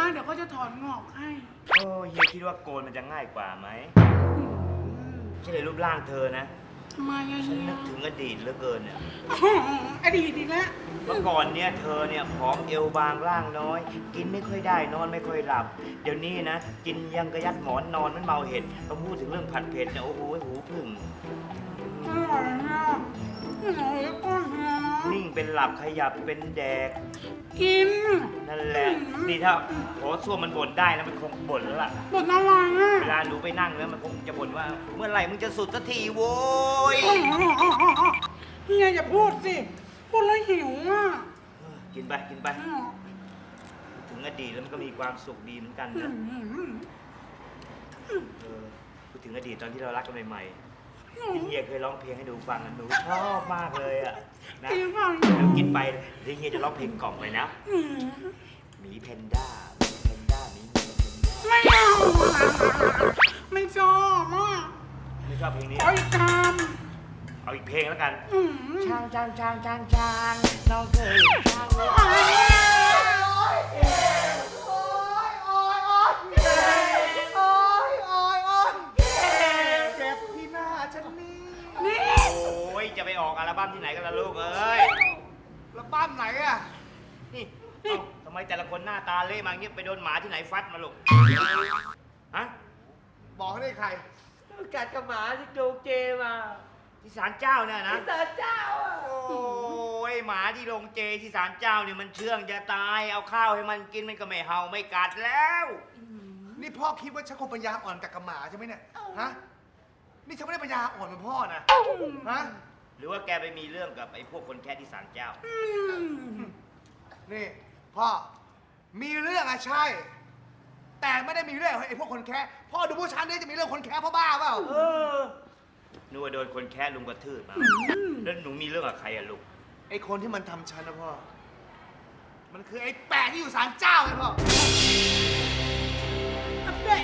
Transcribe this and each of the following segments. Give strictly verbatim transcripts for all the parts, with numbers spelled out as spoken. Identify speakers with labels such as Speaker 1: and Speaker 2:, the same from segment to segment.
Speaker 1: เดี๋ยวเขาจะถอนงอกให้
Speaker 2: โอ้เฮียคิดว่าโกนมันจะง่ายกว่าไหมใช่เลยรูปร่างเธอนะ
Speaker 1: ทำไมอะ
Speaker 2: ฉัน
Speaker 1: เฮีย
Speaker 2: นึกถึงอดีตเหลือเกินเนี่ย
Speaker 1: อดีตอีกแล้ว
Speaker 2: เมื่อก่อนเนี่ยเธอเนี่ยผอมเอวบางร่างน้อย กินไม่ค่อยได้นอนไม่ค่อยหลับ เดี๋ยวนี้นะ กินยังกระยัดหมอนนอนมันเมาเห็ดพอพูดถึงเรื่องผัดเผ็ดเนี่ยโอ้โหหูพึ่ง
Speaker 1: อร่อยนะอร่อยแล้วก็เฮียนะ
Speaker 2: นิ่งเป็นหลับขยับเป็นแดก
Speaker 1: กิน
Speaker 2: นั่นแหละนี่ถ้าโถส้วมมันบ่นได้นะมันคงบ่นแล้วล่ะ
Speaker 1: บทอะไรอ่ะ
Speaker 2: เวลาหนูไปนั่งแล้วมันคงจะบ่นว่า เมื่อไหร่มึงจะสุดสักทีโว้ย
Speaker 1: เฮียอย่าพูดสิพูดแล้วหิวอ่ะ
Speaker 2: เออกินไปกินไปถึงอดีตแล้วมันก็มีความสุขดีเหมือนกันนะเออพูดถึงอดีตตอนที่เรารักกันใหม่ๆที่เฮียเคยร้องเพลงให้หนูฟังนะหนูชอบมากเลยอ่ะนะ
Speaker 1: กินฟัง
Speaker 2: เดี๋ยวกินไปเดี๋ยวเฮียจะร้องเพลงกล่อมเลยนะหมีแพนด้าหมีแพนด้าหมีแพนด้า
Speaker 1: ไม่เอาไม่ชอบอ่ะ
Speaker 2: ไม่ชอบเพลงนี้
Speaker 1: ขออีกค
Speaker 2: เอาอีกเพลงแล้วกัน
Speaker 1: ำอืม
Speaker 2: ช้างช้างช้างช้างช้างน้องเคยช้าง
Speaker 1: โอ๊ย
Speaker 3: เจ็บที่หน้าฉันนี่
Speaker 1: นี่
Speaker 2: โอ้ยจะไปออกอัลบั้มที่ไหนกันล่ะลูกเอ้ย
Speaker 3: แล้วบ้านไหนอะ
Speaker 2: นี่เอ้าทำไมแต่ละคนหน้าตาเละมาเงี้ยไปโดนหมาที่ไหนฟัดมาลูกฮะ
Speaker 3: บอกให้ได้ใคร
Speaker 4: กัดกับหมาที่โดนเจมา
Speaker 2: ที่ศาลเจ้าเนี่ยนะ
Speaker 4: ที่ศาลเจ้าอ่ะ
Speaker 2: โอ้ยหมาที่โรงเจที่ศาลเจ้าเนี่ยมันเชื่องจะตายเอาข้าวให้มันกินมันก็ไม่เห่าไม่กัดแล้ว
Speaker 3: นี่พ่อคิดว่าฉันคงปัญญาอ่อนกับกับหมาใช่ไหมเนี่ยฮะนี่ฉันไม่ได้ปัญญาอ่อนเหมือนพ่อนะฮะ
Speaker 2: หรือว่าแกไปมีเรื่องกับไอ้พวกคนแค่ที่ศาลเจ้า
Speaker 3: นี่พ่อมีเรื่องอะใช่ แต่ไม่ได้มีเรื่องกับไอ้พวกคนแค่พ่อดูผู้ชันนี่จะมีเรื่องคนแค่พ่อบ้าเปล่า
Speaker 2: เออนึกว่าโดนคนแค่ลุงกระทืบมาแล้วหนูมีเรื่องกับใครอะลูก
Speaker 3: ไอ้คนที่มันทำฉันนะพ่อมันคือไอ้แปะที่อยู่ศาลเจ้าไงพ่อ
Speaker 1: เด็ก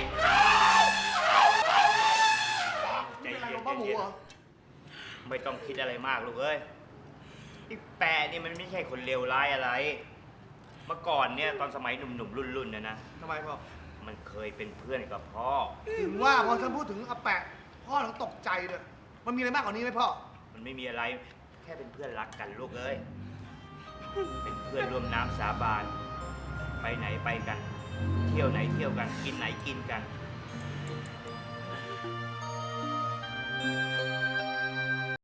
Speaker 2: ใจ
Speaker 3: เป็นอะไร
Speaker 2: เย็
Speaker 3: ขอน งพ่อหมูเหรอ
Speaker 2: ๆไม่ต้องคิดอะไรมากลูกเอ้ยนี่แปะนี่มันไม่ใช่คนเลวร้ายอะไร เมื่อก่อนเนี่ยตอนสมัยหนุ่มๆรุ่นๆเนี่ยนะ
Speaker 3: ทำไมพ่อ
Speaker 2: มันเคยเป็นเพื่อนกับพ่อ
Speaker 3: ถึงว่าพอฉันพูดถึงอาแปะพ่อถึงตกใจเลยมันมีอะไรมากกว่านี้ไหมพ่อ
Speaker 2: มันไม่มีอะไร แค่เป็นเพื่อนรักกันลูกเอ้ย เป็นเพื่อนร่วมน้ำสาบาน ไปไหนไปกัน เที่ยวไหนเที่ยวกัน กินไหนกินกัน